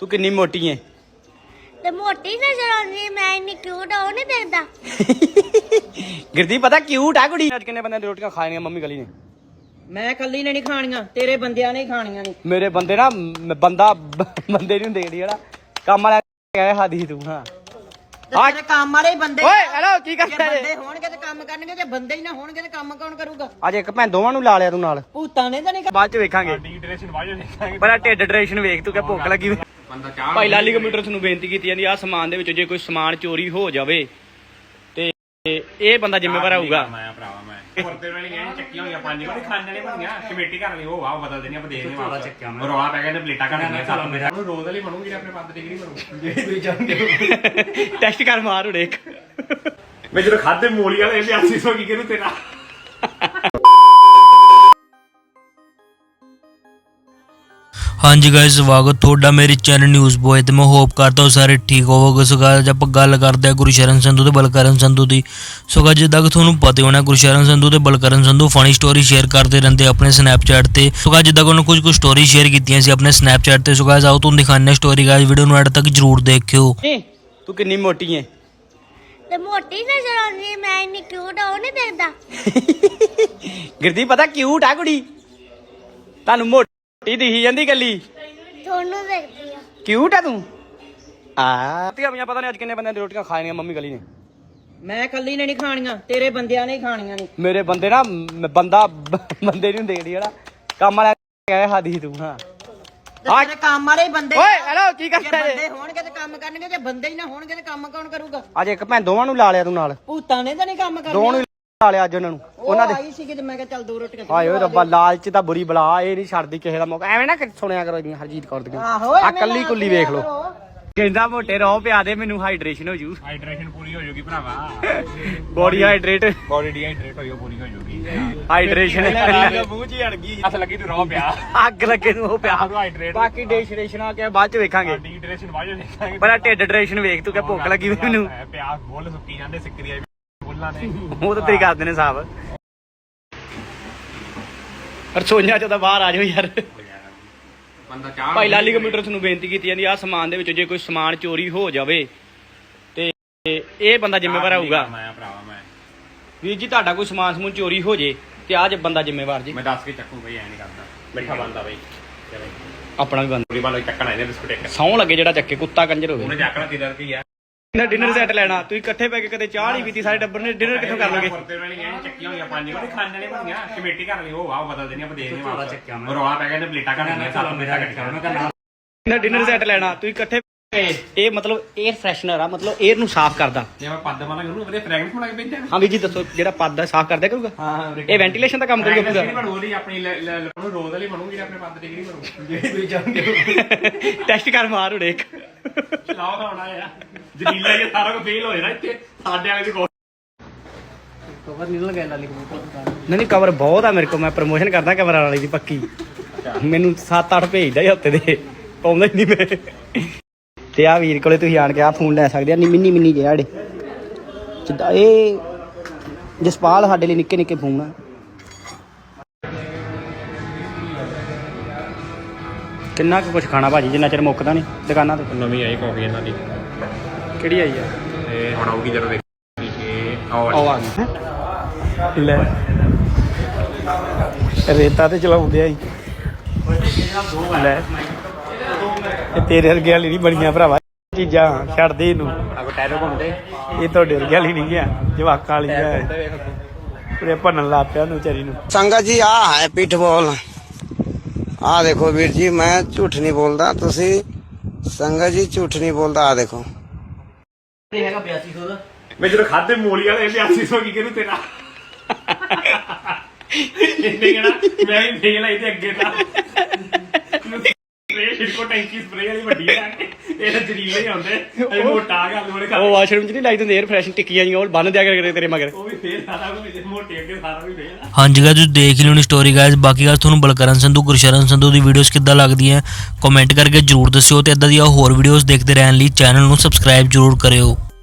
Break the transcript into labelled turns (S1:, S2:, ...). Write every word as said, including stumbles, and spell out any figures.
S1: ਤੂੰ ਕਿੰਨੀ ਮੋਟੀ ਐ?
S2: ਤੇ ਮੋਟੀ ਨਜ਼ਰ ਆਉਂਦੀ ਮੈਂ ਇੰਨੀ ਕਿਊਟ ਆ ਉਹ ਨਹੀਂ ਦੇਖਦਾ।
S1: ਗਿਰਦੀ ਪਤਾ ਕਿਊਟ ਆ ਕੁੜੀ। ਅੱਜ ਕਿੰਨੇ ਬੰਦਿਆਂ ਦੀ ਰੋਟੀਆਂ ਖਾਣੀਆਂ ਮੰਮੀ ਗਲੀ ਨੇ?
S3: ਮੈਂ ਕੱਲੀ ਨੇ ਨਹੀਂ ਖਾਣੀਆਂ, ਤੇਰੇ ਬੰਦਿਆਂ ਨੇ ਹੀ ਖਾਣੀਆਂ ਨੇ।
S1: ਮੇਰੇ ਬੰਦੇ ਨਾ ਮ- ਬੰਦਾ ਬੰਦੇ ਨਹੀਂ ਹੁੰਦੇ ਜਿਹੜੀ ਜਿਹੜਾ ਕੰਮ ਵਾਲਾ ਕਹਿ ਹਾਦੀ ਤੂੰ। ਹਾਂ
S3: ਤੇਰੇ ਕੰਮ ਵਾਲੇ ਹੀ ਬੰਦੇ।
S1: ਓਏ ਹੈਲੋ ਕੀ
S3: ਜੇ
S1: ਕਰਦਾ
S3: ਬੰਦੇ
S1: ਏ?
S3: ਹੋਣਗੇ ਤੇ ਕੰਮ ਕਰਨਗੇ, ਜੇ ਬੰਦੇ ਹੀ ਨਾ ਹੋਣਗੇ ਤੇ ਕੰਮ ਕੌਣ ਕਰੂਗਾ?
S1: ਅੱਜ ਇੱਕ ਭੈਣ ਦੋਵਾਂ ਨੂੰ ਲਾ ਲਿਆ ਤੂੰ ਨਾਲ।
S3: ਭੂਤਾਂ ਨੇ ਤਾਂ ਨਹੀਂ।
S1: ਬਾਅਦ ਚ ਵੇਖਾਂਗੇ ਬੜਾ ਢਿੱਡ ਡਰੇਸ਼ਨ ਵੇਖ ਤੂੰ ਕਿ ਭੁੱਖ ਲੱਗੀ। ਭਾਈ ਲਾਲੀ ਕੰਪਿਊਟਰ ਤੁਹਾਨੂੰ ਬੇਨਤੀ ਕੀਤੀ ਜਾਂਦੀ ਆ ਸਮਾਨ ਦੇ ਵਿੱਚੋਂ ਜੇ ਕੋਈ ਸਮਾਨ ਚੋਰੀ ਹੋ ਜਾਵੇ ਤੇ ਇਹ ਬੰਦਾ ਜ਼ਿੰਮੇਵਾਰ ਹੋਊਗਾ।
S4: ਮੈਂ ਭਰਾਵਾ ਮੈਂ ਪੁਰਤੇ ਵਾਲੀ ਐ ਚੱਕੀਆਂ ਹੋਈਆਂ ਪੰਜ ਵਾਰੀ ਖਾਣ ਵਾਲੇ ਬਣੀਆਂ ਕਮੇਟੀ ਕਰ ਲਈ ਉਹ ਵਾਹ ਬਦਲ ਦੇਣੀ ਆਪਾਂ ਦੇਖਦੇ ਵਾਪਸ ਚੱਕਿਆ ਮੈਂ ਰੌਲਾ ਪੈ ਗਿਆ ਨੇ ਪਲੇਟਾਂ ਕੱਢਣੀਆਂ ਸਾਲਾ ਮੇਰਾ ਉਹ ਰੋਜ਼ ਵਾਲੀ ਬਣੂਗੀ ਆਪਣੇ ਪੰਜ ਡਿਗਰੀ ਬਣੂ ਜਿਹੜੀ ਤੁਸੀਂ ਚਾਹੁੰਦੇ ਹੋ।
S1: ਟੈਸਟ ਕਰ ਮਾਰ ਉੜੇ ਇੱਕ।
S4: ਮੈਂ ਜਦੋਂ ਖਾਦੇ ਮੂਲੀ ਵਾਲੇ ਇਹ ਅੱਸੀ ਸੌ ਕੀ ਕਿਹਨੂੰ ਤੇਰਾ।
S5: हाँ जी गाइस स्वागत थोड़ा मेरे चैनल न्यूज़ बॉय तो मैं होप करता हूँ सारे ठीक होवोगे। सो गाइस आप गल करते हैं गुरशरण संधू ते बलकरण संधू की। सो गाइस जिद्दां कि तुहानूं पता होना गुरशरण संधू ते Balkaran Sandhu funny story share करते रहते अपने स्नैपचैट ते। सो गाइस जिद्दां कि उन्होंने कुछ कुछ स्टोरी शेयर कीतियां सी अपने स्नैपचैट ते। सो गाइस आओ तुहानूं दिखाने स्टोरी गाइस वीडियो नूं एंड तक जरूर देखियो।
S1: ਤੂੰ ਕਿੰਨੀ ਮੋਟੀ ਐ?
S2: ਤੇ ਮੋਟੀ ਨਜ਼ਰ ਆਉਂਦੀ ਮੈਂ ਇੰਨੀ ਕਿਊਟ ਆ ਉਹ ਨਹੀਂ ਦੇਖਦਾ।
S1: ਗਿਰਦੀ ਪਤਾ ਕਿਊਟ ਆ ਕੁੜੀ। ਤੁਹਾਨੂੰ ਮੋਟੀ ਦਿਖੀ ਜਾਂਦੀ ਗੱਲੀ।
S2: ਤੁਹਾਨੂੰ ਦੇਖਦੀ ਆ।
S1: ਕਿਊਟ ਆ ਤੂੰ। ਆ ਤੀਆਂ ਪਤਾ ਨਹੀਂ ਅੱਜ ਕਿੰਨੇ ਬੰਦਿਆਂ ਦੀ ਰੋਟੀਆਂ ਖਾਣੀਆਂ ਮੰਮੀ ਗਲੀ ਨੇ?
S3: ਮੈਂ ਕੱਲੀ ਨੇ ਨਹੀਂ ਖਾਣੀਆਂ, ਤੇਰੇ ਬੰਦਿਆਂ ਨੇ ਹੀ ਖਾਣੀਆਂ ਨੇ।
S1: ਮੇਰੇ ਬੰਦੇ ਨਾ ਮ- ਬੰਦਾ ਬੰਦੇ ਨਹੀਂ ਹੁੰਦੇ ਜਿਹੜੀ ਜਿਹੜਾ ਕੰਮ ਵਾਲਾ ਕਹਿ ਹਾਦੀ ਤੂੰ। ਹਾਂ
S3: ਤੇਰੇ ਕੰਮ ਵਾਲੇ ਹੀ ਬੰਦੇ।
S1: ਓਏ ਹੈਲੋ ਕੀ
S3: ਜੇ
S1: ਕਰਦਾ
S3: ਬੰਦੇ
S1: ਏ?
S3: ਹੋਣਗੇ ਤੇ ਕੰਮ ਕਰਨਗੇ, ਜੇ ਬੰਦੇ ਹੀ ਨਾ ਹੋਣਗੇ ਤੇ ਕੰਮ ਕੌਣ ਕਰੂਗਾ?
S1: ਅੱਜ ਇੱਕ ਭੈਣ ਦੋਵਾਂ ਨੂੰ ਲਾ ਲਿਆ ਤੂੰ ਨਾਲ।
S3: ਭੂਤਾਂ ਨੇ ਤਾਂ ਨਹੀਂ ਕੰਮ ਕਰਨਾ।
S1: ਦੋਵਾਂ ਨੂੰ ਹੀ ਲਾ ਲਿਆ ਅੱਜ ਉਹਨਾਂ ਨੂੰ।
S3: ਉਹਨਾਂ ਦੇ ਆਈ ਸੀ ਕਿ ਮੈਂ ਕਿਹਾ ਚੱਲ ਦੋ ਰੋਟੀਆਂ
S1: ਹਾਏ ਓਏ ਰੱਬਾ ਲਾਲਚ ਤਾਂ ਬੁਰੀ ਬਲਾ ਇਹ ਨਹੀਂ ਛੱਡਦੀ ਕਿਸੇ ਦਾ ਮੌਕਾ। ਐਵੇਂ ਨਾ ਸੁਣਿਆ ਕਰੋ ਇਹਦੀਆਂ ਹਰਜੀਤ ਕੌਰ ਦੀਆਂ।
S3: ਆਹੋ
S1: ਆ ਕੱਲੀ ਕੁੱਲੀ ਵੇਖ ਲੋ। ਕਹਿੰਦਾ ਮੋਟੇ ਰੋ ਪਿਆ ਦੇ ਮੈਨੂੰ ਹਾਈਡਰੇਸ਼ਨ ਹੋ ਜੂ।
S4: ਹਾਈਡਰੇਸ਼ਨ ਪੂਰੀ ਹੋ ਜਾਊਗੀ ਭਰਾਵਾ
S1: ਬੋਡੀ ਹਾਈਡਰੇਟ
S4: ਬੋਡੀ ਡੀਹਾਈਡਰੇਟ ਹੋਈ ਉਹ ਪੂਰੀ ਹੋ ਜਾਊਗੀ
S1: ਹਾਈਡਰੇਸ਼ਨ
S4: ਮੂੰਹ 'ਚ ਹੀ ਅੜ ਗਈ ਹੱਥ ਲੱਗੀ ਤੂੰ ਰੋ ਪਿਆ
S1: ਅੱਗ ਲੱਗੇ ਨੂੰ ਉਹ ਪਿਆ।
S4: ਹਾਈਡਰੇਟ
S1: ਬਾਕੀ ਡੇਸ਼ਰੇਸ਼ਨ ਆ ਕੇ ਬਾਅਦ ਚ ਵੇਖਾਂਗੇ।
S4: ਡੀਹਾਈਡਰੇਸ਼ਨ ਬਾਅਦ ਵਿੱਚ ਦੇਖਾਂਗੇ।
S1: ਬੜਾ ਢਿੱਡ ਡਰੇਸ਼ਨ ਵੇਖ ਤੂੰ ਕਿ ਭੁੱਖ ਲੱਗੀ ਮੈਨੂੰ।
S4: ਪਿਆਸ ਬੁੱਲ ਸੁੱਕੀ ਜਾਂਦੇ ਸਿੱਕਰੀਆਂ ਬੁੱਲਾਂ ਨੇ
S1: ਉਹ ਤਾਂ ਤੇਰੀ ਕਰਦੇ ਨੇ ਸਾਹਬ। ਰਸੋਈਆਂ ਚੋਂ ਤਾਂ ਬਾਹਰ ਆ ਜਾਓ ਯਾਰ।
S4: ਬੰਦਾ ਚਾਹ
S1: ਭਾਈ ਲਾਲੀ ਕੰਪਿਊਟਰ ਤੁਹਾਨੂੰ ਬੇਨਤੀ ਕੀਤੀ ਜਾਂਦੀ ਆ ਸਮਾਨ ਦੇ ਵਿੱਚੋਂ ਜੇ ਕੋਈ ਸਮਾਨ ਚੋਰੀ ਹੋ ਜਾਵੇ ਤੇ ਇਹ ਬੰਦਾ ਜ਼ਿੰਮੇਵਾਰ ਹੋਊਗਾ।
S4: ਮੈਂ ਭਰਾਵਾ ਮੈਂ
S1: ਵੀਰ ਜੀ ਤੁਹਾਡਾ ਕੋਈ ਸਮਾਨ ਸਮੂਨ ਚੋਰੀ ਹੋ ਜੇ ਤੇ ਆਹ ਜੇ ਬੰਦਾ ਜ਼ਿੰਮੇਵਾਰ ਜੀ।
S4: ਮੈਂ ਦੱਸ ਕੇ ਚੱਕੂ ਬਈ ਐ ਨਹੀਂ ਕਰਦਾ ਮਿੱਠਾ ਬੰਦਾ ਬਈ ਚਲੇ
S1: ਆਪਣਾ ਵੀ ਬੰਦਾ
S4: ਪੂਰੀ ਬਾਲ ਚੱਕਣਾ ਇਹਨੇ ਬਿਸਕੁਟ ਇੱਕ
S1: ਸੌਂ ਲੱਗੇ ਜਿਹੜਾ ਚੱਕੇ ਕੁੱਤਾ ਕੰਜਰ
S4: ਉਹਨੇ
S1: ਹੋਵੇ।
S4: ਚੱਕਣਾ ਤੇਰਾ ਕੀ ਆ
S1: ਨਾ ਡਿਨਰ ਸੈੱਟ ਲੈਣਾ ਤੁਸੀਂ ਇਕੱਠੇ ਪੈ ਕੇ ਕਦੇ ਚਾਹ ਨਹੀਂ ਪੀਤੀ ਸਾਰੇ ਟੱਬਰ ਨੇ ਡਿਨਰ ਕਿੱਥੋਂ ਕਰ ਲਓਗੇ?
S4: ਪੁਰਤੇ ਵਾਲੀ ਐ ਚੱਕੀਆਂ ਹੋਈਆਂ ਪੰਜ ਵਾਰੀ ਖਾਣ ਵਾਲੇ ਬਣੀਆਂ ਕਮੇਟੀ ਕਰ ਲਈ ਉਹ ਵਾਹ ਬਦਲ ਦੇਣੀ ਆਪਾਂ ਦੇਖਦੇ ਵਾਪਸ ਚੱਕਿਆ ਮੈਂ ਰੌਲਾ ਪੈ ਗਿਆ ਨੇ ਪਲੇਟਾਂ ਕੱਢਣੀਆਂ ਸਾਲਾ ਮੇਰਾ ਕੱਢਿਆ
S1: ਨਾ ਡਿਨਰ ਸੈੱਟ ਲੈਣਾ ਤੁਸੀਂ ਇਕੱਠੇ ਇਹ ਮਤਲਬ 에ਅਰ ਫਰੈਸ਼ਨਰ ਆ ਮਤਲਬ 에ਅਰ ਨੂੰ ਸਾਫ਼ ਕਰਦਾ।
S4: ਜੇ ਮੈਂ ਪੱਦ ਮਾਰਾਂਗਾ ਉਹਨੂੰ ਵਧੀਆ ਫ੍ਰੈਗਰੈਂਸ ਬਣਾ ਕੇ ਭੇਜਾਂ।
S1: ਹਾਂ ਵੀਰ ਜੀ ਦੱਸੋ ਜਿਹੜਾ ਪੱਦ ਆ ਸਾਫ਼ ਕਰਦਾ ਕਰੂਗਾ?
S4: ਹਾਂ
S1: ਇਹ ਵੈਂਟੀਲੇਸ਼ਨ ਦਾ ਕੰਮ ਕਰੂਗਾ ਪੂਰਾ।
S4: ਬਣੂ ਉਹਦੀ ਆਪਣੀ ਉਹਨੂੰ ਰੋਜ਼ ਵਾਲੀ ਬਣੂਗੀ ਆਪਣੇ ਪੱਦ ਡਿਗਰੀ ਬਣੂ ਜਿਹੜੀ ਤੁਸੀਂ ਚਾਹੁੰਦੇ ਹੋ।
S1: ਟੈਸਟ ਕਰ ਮਾਰ ਉੜੇ ਇੱਕ।
S4: ਲਾਓ ਖਾਣਾ ਆ ਜਲੀਲਾ ਇਹ ਸਾਰਾ ਕੁਝ ਫੇਲ ਹੋ ਜਾਣਾ ਇੱਥੇ ਸਾਡੇ ਵਾਲੇ ਦੀ ਕੋਲ
S1: ਕਵਰ ਨਿਕਲ ਗਿਆ ਲਾਲੀ ਕੰਪਿਊਟਰ। ਨਹੀਂ ਨਹੀਂ ਕਵਰ ਬਹੁਤ ਆ ਮੇਰੇ ਕੋਲ। ਮੈਂ ਪ੍ਰਮੋਸ਼ਨ ਕਰਦਾ ਕਵਰ ਵਾਲੀ ਦੀ ਪੱਕੀ। ਮੈਨੂੰ ਸੱਤ ਅੱਠ ਭੇਜਦਾ ਹੀ ਹਫਤੇ ਦੇ ਪਾਉਂਦਾ ਹੀ ਨਹੀਂ ਮੈਂ। ਤੇ ਆ ਵੀਰ ਕੋਲੇ ਤੁਸੀਂ ਆਣ ਕੇ ਆ ਫੋਨ ਲੈ ਸਕਦੇ ਆ ਨੀ ਮਿੰਨੀ ਮਿੰਨੀ ਜਿਹੇ ਆੜੇ ਜਿੱਦਾਂ ਇਹ ਜਸਪਾਲ ਸਾਡੇ ਲਈ ਨਿੱਕੇ ਨਿੱਕੇ ਫੋਨ ਆ। ਕਿੰਨਾ ਕੁ ਕੁਛ ਖਾਣਾ ਭਾਜੀ ਜਿੰਨਾ ਚਿਰ ਮੁੱਕਦਾ ਨਹੀਂ ਦੁਕਾਨਾਂ ਤੇ।
S4: ਨਵੀਂ ਆਈ ਕਾਫੀ ਇਹਨਾਂ ਦੀ
S1: ਕਿਹੜੀ ਆਈ ਆ?
S4: ਤੇ ਹੁਣ ਆਊਗੀ ਜਦੋਂ ਦੇਖੀ ਇਹ
S1: ਆਓ ਆ ਗਈ ਲੈ ਰੇਤਾ ਤੇ ਚਲਾਉਂਦੇ ਆ ਲੈ ਇਹ ਤੇਰੇ ਵਰਗੇ ਵਾਲੀ ਨਹੀਂ ਬਣੀਆਂ ਭਰਾਵਾ ਚੀਜ਼ਾਂ ਛੱਡਦੇ ਇਹਨੂੰ।
S4: ਆਗੋ ਟਾਇਰੋ ਘੁੰਮਦੇ
S1: ਇਹ ਤੁਹਾਡੇ ਵਰਗੇ ਵਾਲੀ ਨਹੀਂ ਗਿਆ ਜਵਾਕਾਂ ਵਾਲੀ ਪੂਰੇ ਭੰਨਣ ਲੱਗ ਪਿਆ ਉਹਨੂੰ ਵਿਚਾਰੀ ਨੂੰ।
S6: संगत जी आ है पिटबॉल आ देखो वीर जी मैं झूठ नहीं बोलता तुसी संगत जी झूठ नहीं बोलता आ देखो
S1: ਇਹ ਹੈਗਾ ਬਿਆਸੀ ਸੌ ਦਾ।
S4: ਮੈਂ ਜਦੋਂ ਖਾਦੇ ਮੂਲੀ ਵਾਲੇ ਇਹ ਅੱਸੀ ਸੌ ਕੀ ਕਿਹਨੂੰ ਤੇਰਾ ਇਹਨੇ ਕਹਿਣਾ ਮੈਂ ਵੀ ਫੇਲ ਆਈ ਤੇ ਅੱਗੇ ਤਾਂ ਸਪਰੇ ਛਿੜਕੋ ਟੈਂਕੀ ਸਪਰੇ ਵਾਲੀ ਵੱਡੀ ਆ ਇਹ ਤਾਂ ਜਰੀਲੇ ਹੀ ਆਉਂਦੇ ਇਹ ਮੋਟਾ ਆ ਗੱਲ ਉਹਨੇ
S1: ਉਹ ਵਾਸ਼ਰੂਮ ਚ ਨਹੀਂ ਲਾਈ ਦਿੰਦੇ 에ਅਰ ਫਰੈਸ਼ਨ ਟਿੱਕੀਆਂ ਜੀਆਂ ਉਹ ਬੰਨ ਦਿਆ ਕਰ ਤੇਰੇ ਮਗਰ।
S4: ਉਹ ਵੀ ਫੇਲ ਸਾਰਾ ਕੁਝ ਮੋਟੇ ਅੱਗੇ ਸਾਰਾ ਵੀ ਫੇਲ ਆ।
S5: हाँ जी गाइस तुसीं देख ही लियोनी स्टोरी गाइस। बाकी गाइस तुहानूं बलकरण संधू गुरशरण संधू दी वीडियोस किद्दां लगदियां कमेंट करके जरूर दस्सिओ ते इदां ਦੀਆਂ ਹੋਰ ਵੀਡੀਓਜ਼ ਦੇਖਦੇ ਰਹਿਣ ਲਈ ਚੈਨਲ ਨੂੰ ਸਬਸਕ੍ਰਾਈਬ जरूर करियो।